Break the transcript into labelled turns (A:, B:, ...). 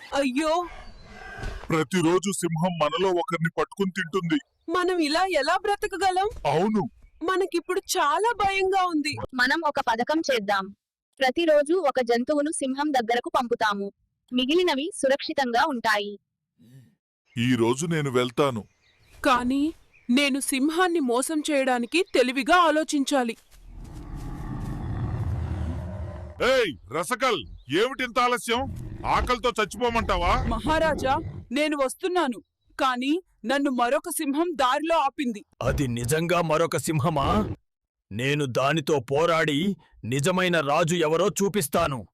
A: అయ్యో,
B: ప్రతిరోజు సింహం మనలో ఒకరిని పట్టుకుని తింటుంది.
A: మనం ఇలా ఎలా బ్రతకగలం?
B: అవును.
A: మనకిప్పుడు చాలా భయంగా ఉంది.
C: మనం ఒక పథకం చేద్దాం. ప్రతిరోజు ఒక జంతువును సింహం దగ్గరకు పంపుతాము. మిగిలినవి సురక్షితంగా ఉంటాయి.
B: ఈ రోజు నేను వెళ్తాను.
A: కానీ నేను సింహాన్ని మోసం చేయడానికి తెలివిగా ఆలోచించాలి.
B: ఏయ్ రసకల్, ఏమిటింత ఆలస్యం? ఆకలితో చచ్చిపోమంటావా?
A: మహారాజా, నేను వస్తున్నాను. కానీ నన్ను మరొక సింహం దారిలో ఆపింది.
D: అది నిజంగా మరొక సింహమా? నేను దానితో పోరాడి నిజమైన రాజు ఎవరో చూపిస్తాను.